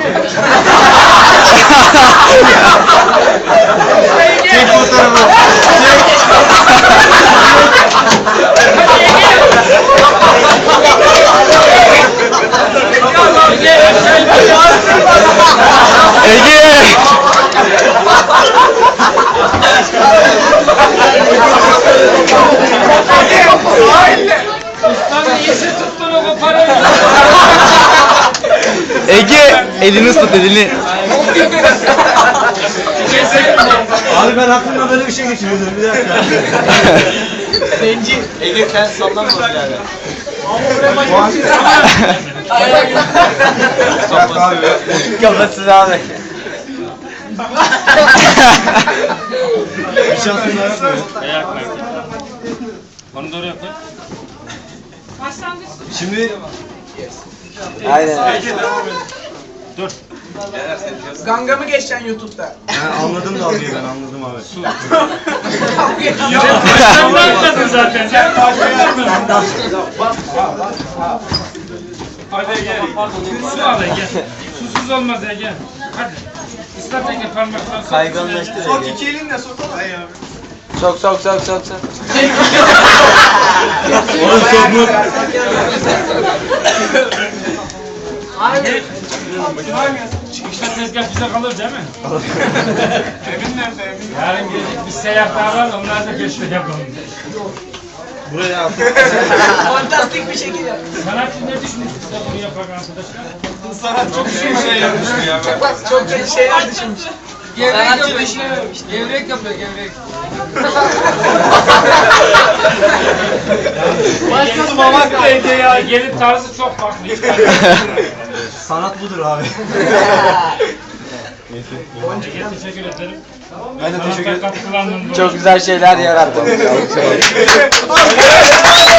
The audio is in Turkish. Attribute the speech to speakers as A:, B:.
A: Çek fotoğrafı. Ege!
B: Ustanın iyisi tuttun o parayı.
A: Ege! Elini tut elini.
C: Abi ben aklımda böyle bir şey geçiriyordum bir dakika.
B: Zenci.
C: Ege kendi sallanmaz yani.
A: Kafasız abi.
C: Bir şansın daha yok mu?
B: Onu da oraya koy.
C: Şimdi
A: Aynen.
B: Dur.
D: Ganga mı geçeceksin YouTube'da?
C: ben anladım dalgayı ben anladım abi.
B: Sen anladın zaten. Sen Hadi gel. Su al Ege. Susuz olmaz Ege. Hadi. Islat Ege parmaklarını.
A: Kayganlaştır
D: Sok
A: Ege.
D: iki elinle sok.
A: Sok.
C: Oğlum çok mu?
B: Hadi. Çıkışta tezgah bize kalır değil mi?
D: Emin nerede Emin?
B: Yarın gelecek bir seyahat daha var, onlar da peşte yapalım.
C: Buraya al.
D: Fantastik bir şekilde.
B: Sanatçı ne düşünmüş size bunu yapan arkadaşlar?
D: Sanat çok şey yapmış ya. Çok kötü şeyler düşünmüş.
E: Gevrek yapıyor. Gevrek yapıyor, gevrek.
B: Başkası mamak da Ege ya. Gelin tarzı çok farklı.
C: Sanat budur abi.
B: Ege teşekkür ederim.
C: Ben de teşekkür ederim.
B: Katkılarından dolayı.
A: Çok güzel şeyler yarattın.